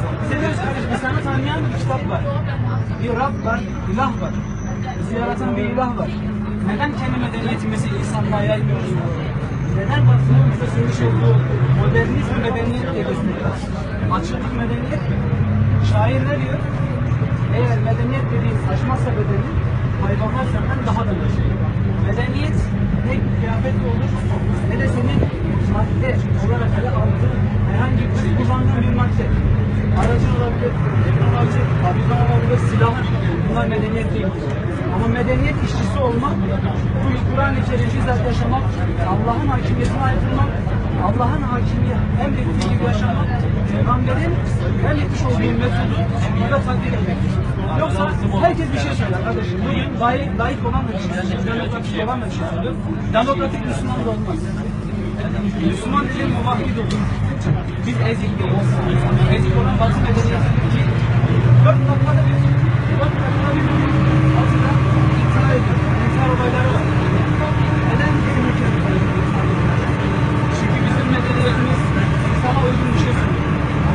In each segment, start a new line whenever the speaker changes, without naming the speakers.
Seviyoruz kardeşim. İnsanı tanıyan bir kitap var. Bir Rab var, ilah var. Bizi yaratan bir ilah var. Neden kendi medeniyetimizi insanlığa yaymıyoruz? Neden Batı'nın bize söylemiş olduğu modernizm medeniyet diye gösteriyor? Açıklık medeniyet mi? Şair ne diyor? Eğer medeniyet dediğiniz aşmazsa bedeni, hayvanlar senden daha da şey. Medeniyet ne kıyafetli olur, ne de senin madde olarak ele aldığın herhangi bir kullandığın bir madde. Aracın olabilir, evin olabilir, fabrikan olabilir, silahın. Bunlar medeniyet değildir. Ama medeniyet işçisi olmak, bu Kur'an-ı Kerim'i bizzat yaşamak, Allah'ın hakimiyetine aykırmak, Allah'ın hakimiyet emrettiği gibi yaşamak, Peygamberin emretmiş olduğu metodu burada tatbik etmektir. Yoksa herkes bir şey söyler kardeşim. Bugün layık olan da bir şey söylüyor, demokratik olan da bir şey söylüyor. Demokratik Müslüman da olmaz. Müslüman dediğim muvahhid olur. Biz ezik değiliz. Ezik olan Batı medeniyetindeki 4 dakikada bir Batı'da intihar ediyor. İntihar olayları var. Neden bizim ülkemiz? Çünkü bizim medeniyetimiz insana uygun bir şey söylüyor.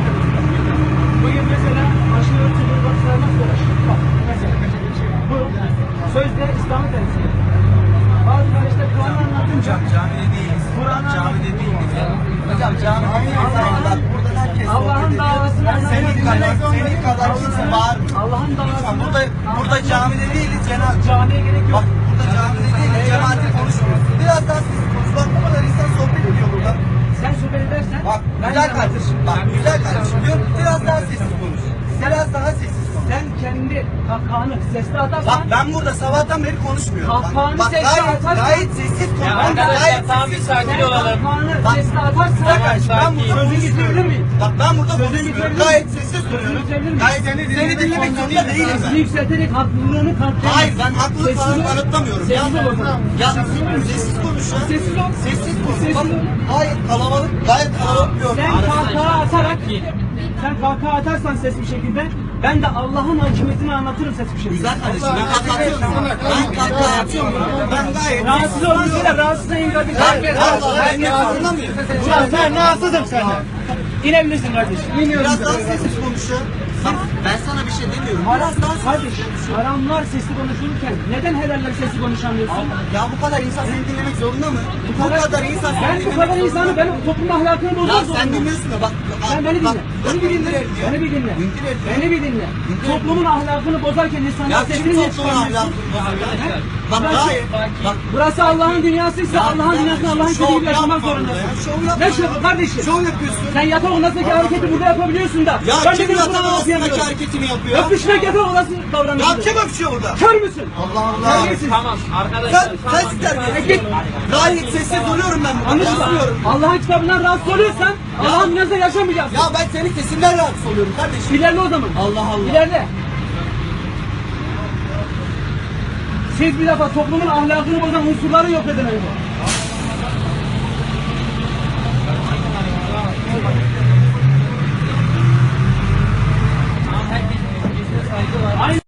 Bugün mesela aşırı örtülü Batı'lar nasıl uğraşıyor? Bak mesela bu sözde İslam'ı temsil ediyor. Bazı kardeşler Kur'an'ı anlatınca
camide değiliz. Camide değiliz. Hocam camide değiliz.
Allah'ın davasını
Senin kadar kimse bağırmıyor.
Allah'ın davasını
Burada camide değiliz.
camiye gerek yok.
Bak burada camide değiliz. Cemaati konuşmuyoruz. Biraz daha sessiz konuş. Bak bu kadar insan sohbet ediyor burada.
Sen sohbet edersen
Bak güzel kardeşim. Bak güzel kardeşim diyor. Biraz daha sessiz konuş. Biraz daha sessiz konuş.
sen kendi kahkahanı sesli atarsan
Bak ben burada sabahtan beri konuşmuyorum.
Kahkahanı
Bak
sesli atarsan
gayet sessiz konuş.
Arkadaşlar tam bir sakin olalım.
kahkahanı sesli atarsan
Ben burada
sözü bitirebilir miyim?
Bak ben burada
Sözü
konuşmuyorum.
bitirebilir
Gayet
miyim?
sessiz
Sözü
duruyorum.
bitirebilir miyim?
Gayet seni dinlemek zorunda değilim ben.
Sesini yükselterek haklılığını kanıtlayamazsın.
Hayır ben haklılık falan kanıtlamıyorum.
Sessiz ol o zaman.
Ya sessiz konuş ya.
Sessiz ol.
Sessiz konuş.
Sessiz
Bak
ol.
gayet kalabalık bir ortam.
Sen kahkaha atarsan ses bir şekilde ben de Allah'ın hakimiyetini anlatırım ses bir şekilde.
Güzel kardeşim ben anlatıyorum. Ben kahkaha atıyorum. Ben gayet
Rahatsız olan şeyler rahatsız değil kardeşim.
Ben anlamıyorum.
Sen rahatsızım senden. İnebilirsin kardeşim.
Biraz daha sessiz konuş ya. Bak ben sana bir şey demiyorum.
Haram, kardeşim, haramlar sesli konuşulurken neden helaller sesli konuşamıyorsun?
Ya bu kadar insan seni dinlemek zorunda mı? Bu kadar insan seni
Ben bu
dinlemek
kadar
zorunda
insanı
mı?
ben toplum ahlakını
Ya
bozmak
sen
zorundayım.
dinliyorsun da bak.
Sen beni dinle. Beni bir dinle. Beni bir dinle. Beni bir dinle. Toplumun ahlakını bozarken
Ya
insanlar
kim
sesini niye
toplumun
çıkarmıyorsun?
ahlakını? Bak gayet. Bak
Burası Allah'ın dünyasıysa Allah'ın dünyasında Allah'ın
şov
dediği gibi yaşamak
yapma
zorundasın.
burada ya, şov yapma.
Ne şovu kardeşim?
şov yapıyorsun.
Sen yatak odasındaki hareketi burada yapabiliyorsun da.
Ya
ben
kim
de
yatak
bunu
odasındaki
okuyamıyorum.
hareketini yapıyor?
Öpüşmek yatak odası davranışı.
Ya kim öpüşüyor burada?
Kör müsün?
Allah Allah.
Terbiyesiz.
Tamam arkadaşlar.
Sen terbiyesiz. Gayet sessiz duruyorum ben burada.
Anlaşıldı.
Konuşmuyorum.
Allah'ın kitabından rahatsız oluyorsan Allah'ın dünyasında yaşamayacaksın.
Ya ben senin sesinden rahatsız oluyorum kardeşim.
İlerle o zaman.
Allah Allah.
İlerle. Siz bir defa toplumun ahlakını bozan unsurları yok edin önce.